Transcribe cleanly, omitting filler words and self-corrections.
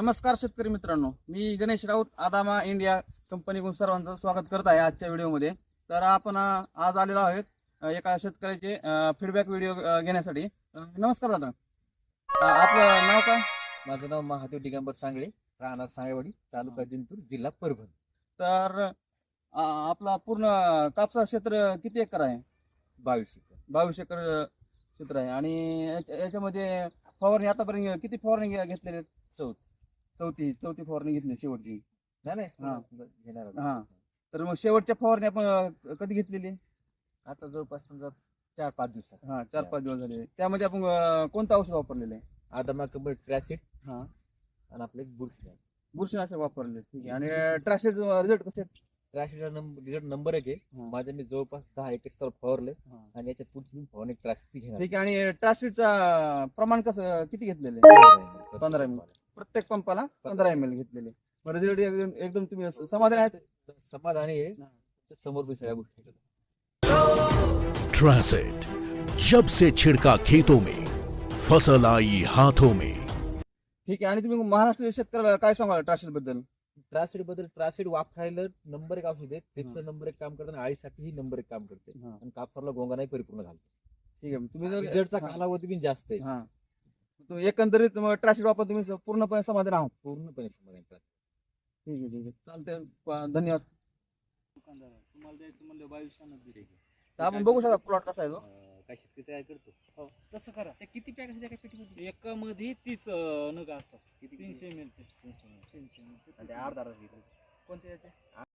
नमस्कार शेतकरी मित्रांनो, मी गणेश राऊत आदामा इंडिया कंपनीकडून सर्वांचं स्वागत करत आहे आजच्या व्हिडिओमध्ये. तर आपण आज आलेलो आहोत एका शेतकऱ्याचे फीडबॅक व्हिडिओ घेण्यासाठी. नमस्कार दादा, आपलं नाव काय? माझं नाव महादेव दिगंबर सांगळे, राहणार सांगळेवाडी, तालुका जिंतूर, जिल्हा परभणी. तर आपला पूर्ण कापसा क्षेत्र किती एकर आहे? 22 एकर. 22 एकर क्षेत्र आहे. आणि याच्यामध्ये फवारणी आतापर्यंत किती फवारणी घेतलेल्या आहेत? चौथी फवारणी घेतली शेवटची. नाही हा. घेणार आहोत. हा. तर मग शेवटच्या फवारणी आपण कधी घेतलेली? आता जवळपास समजा 4-5 दिवसात. 4-5 दिवस झाले. त्यामध्ये आपण कोणतं औषध वापरलेलं आहे? आदमा कंपनी ट्रॅसिड हा, आणि आपलं एक बुरशी. बुरशीनाशक वापरले. ठीक आहे. आणि ट्रॅशेड रिझल्ट कसे आहेत? ट्रॅसिडचा रिझल्ट नंबर 1 आहे. हा. माझ्या मी जवळपास 10 एकर फवारले हा. आणि याच्या पुढची फवारणी ट्रॅसिडची घेणार. ठीक आहे. आणि ट्रॅशेडचा प्रमाण कसं किती घेतलेलं आहे? 15 ml. प्रत्येक पंपाला 15 ml घेतलेले. रिझल्ट एकदम तुम्ही समाधान आहेत? समाधानी आहे. समोर मी सगळ्या गोष्टी करतो. ट्रांसिट, जब से छिड़का खेतों में, फसल आई हाथों में. ठीक आहे. आणि तुम्ही महाराष्ट्र शेतकऱ्याला काय सांगाल ट्रॅशेड बद्दल? ट्रॅसिड वापरायला नंबर 1 औषध आहे. त्याचं नंबर 1 काम करताना आळीसाठीही नंबर 1 काम करते हा. आणि कापसाला गोंगानाही परिपूर्ण घालते. ठीक आहे. तुम्ही जर रिझल्टचा कालावधी पण जास्त आहे. हा, तुम्ही एकंदरीत ट्रॅशेड वापर तुम्ही पूर्णपणे समाधान आहात? पूर्णपणे समाधान करते. ठीक आहे. चालतंय. धन्यवाद. तुम्हाला द्यायचं म्हणलं 22 तर आपण बघू शकता प्लॉट कसा आहे तो. काय शेतकरी तयार करतो. हो तसं करा. ते किती पॅक असते? पेटी एका मध्ये 30 नग असतात. 300 ml चे. 300 ml चे. आणि ते अर्धा कोणते याचे?